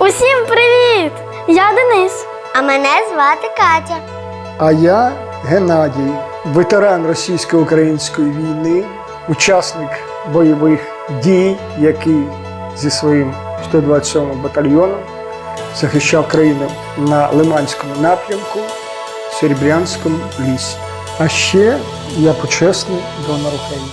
Усім привіт! Я Денис. А мене звати Катя. А я Геннадій, ветеран російсько-української війни, учасник бойових дій, який зі своїм 127-м батальйоном захищав країну на Лиманському напрямку, в Серебрянському лісі. А ще я почесний донор України.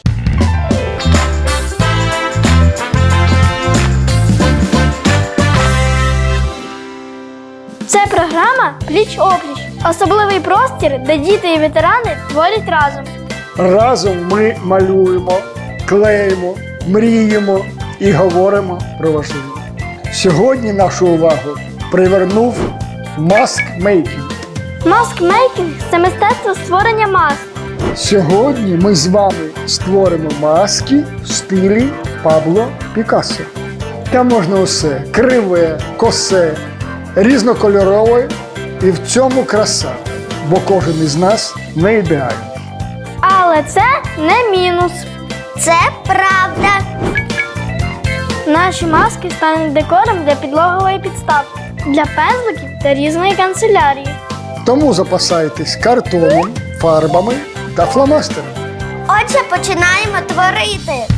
Це програма «Пліч-опліч». Особливий простір, де діти і ветерани творять разом. Разом ми малюємо, клеїмо, мріємо і говоримо про важливе. Сьогодні нашу увагу привернув маскмейкінг. Маскмейкінг – це мистецтво створення маск. Сьогодні ми з вами створимо маски в стилі Пабло Пікассо. Там можна усе – криве, косе, різнокольорове, і в цьому краса, бо кожен із нас не ідеальний. Але це не мінус. Це правда. Наші маски стануть декором для підлогової підставки, для пензликів та різної канцелярії. Тому запасайтесь картоном, фарбами та фломастерами. Отже, починаємо творити.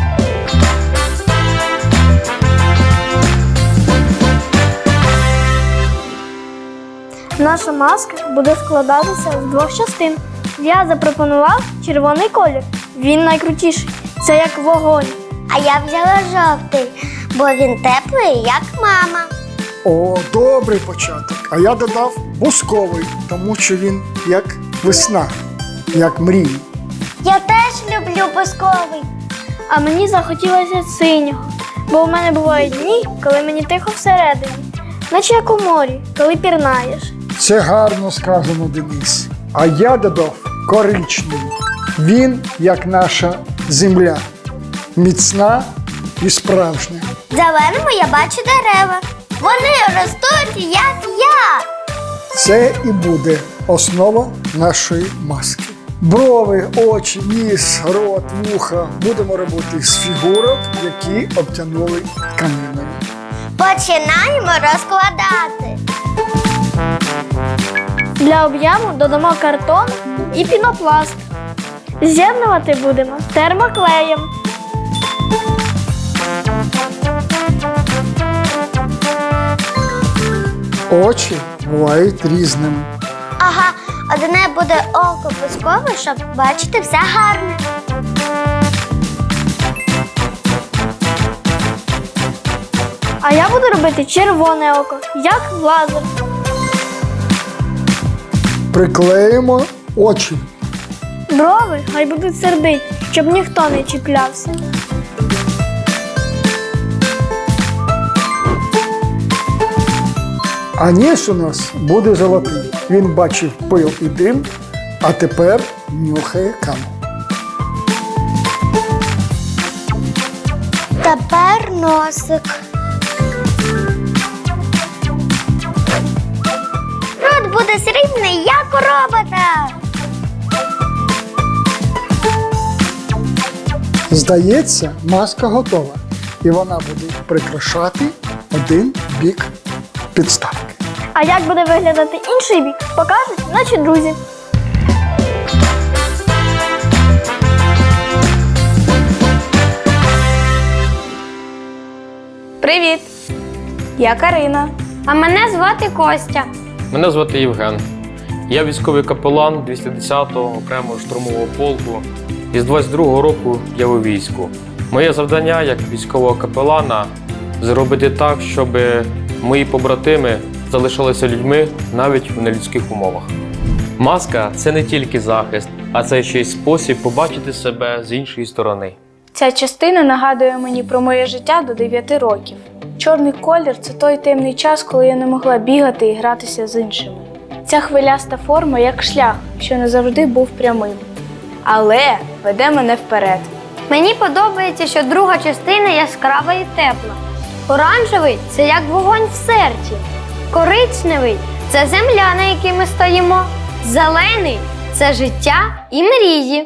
Наша маска буде складатися з двох частин. Я запропонував червоний колір. Він найкрутіший. Це як вогонь. А я взяла жовтий, бо він теплий, як мама. О, добрий початок. А я додав бусковий, тому що він як весна, як мрії. Я теж люблю бусковий. А мені захотілося синього. Бо в мене бувають дні, коли мені тихо всередині. Наче як у морі, коли пірнаєш. Це гарно сказано, Денис. А я додав коричневий. Він як наша земля. Міцна і справжня. В зеленому я бачу дерева. Вони ростуть, як я. Це і буде основа нашої маски. Брови, очі, ніс, рот, вуха будемо робити з фігурок, які обтянули тканиною. Починаємо розкладати. Для об'єму додамо картон і пінопласт. З'єднувати будемо термоклеєм. Очі бувають різними. Ага, одне буде око бускове, щоб бачити все гарне. А я буду робити червоне око, як лазер. Приклеїмо очі. Брови хай будуть сердиті, щоб ніхто не чіплявся. А ніс у нас буде золотий. Він бачив пил і дим, а тепер нюхає каму. Тепер носик. Рот буде срібний, як у робота. Здається, маска готова. І вона буде прикрашати один бік підставки. А як буде виглядати інший бік, покажуть наші друзі. Привіт! Я Карина. А мене звати Костя. Мене звати Євген. Я військовий капелан 210-го окремого штурмового полку. І з 22-го року я у війську. Моє завдання як військового капелана – зробити так, щоб мої побратими залишалися людьми навіть у нелюдських умовах. Маска – це не тільки захист, а це ще й спосіб побачити себе з іншої сторони. Ця частина нагадує мені про моє життя до 9 років. Чорний колір – це той темний час, коли я не могла бігати і гратися з іншими. Ця хвиляста форма як шлях, що не завжди був прямим. Але веде мене вперед. Мені подобається, що друга частина яскрава і тепла. Оранжевий – це як вогонь в серці. Коричневий – це земля, на якій ми стоїмо. Зелений – це життя і мрії.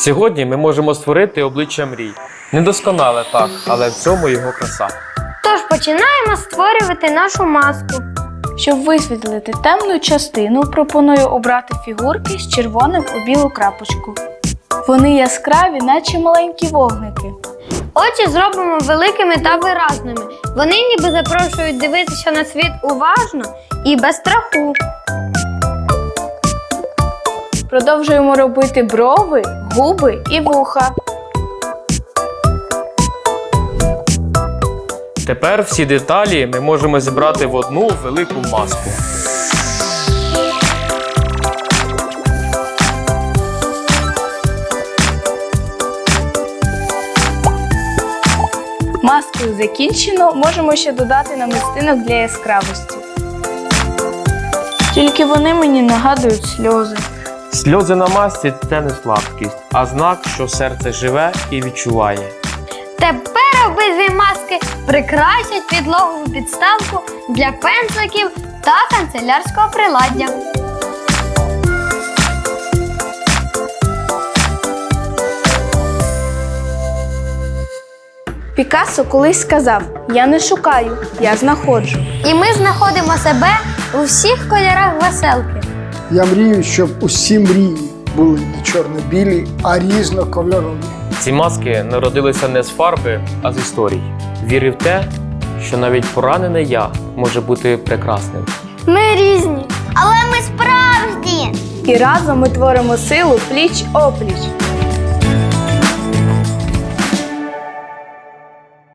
Сьогодні ми можемо створити обличчя мрій. Недосконале так, але в цьому його краса. Тож починаємо створювати нашу маску. Щоб висвітлити темну частину, пропоную обрати фігурки з червоним у білу крапочку. Вони яскраві, наче маленькі вогники. Очі зробимо великими та виразними. Вони ніби запрошують дивитися на світ уважно і без страху. Продовжуємо робити брови, губи і вуха. Тепер всі деталі ми можемо зібрати в одну велику маску. Маску закінчено, можемо ще додати намистинок для яскравості. Тільки вони мені нагадують сльози. Сльози на масці – це не слабкість, а знак, що серце живе і відчуває. Тепер обидві маски прикрасять підлогову підставку для пензликів та канцелярського приладдя. Пікассо колись сказав: «Я не шукаю, я знаходжу». І ми знаходимо себе у всіх кольорах веселки. Я мрію, щоб усі мрії були не чорно-білі, а різнокольорові. Ці маски народилися не з фарби, а з історій. Віри в те, що навіть поранене я може бути прекрасним. Ми різні. Але ми справжні! І разом ми творимо силу пліч-опліч.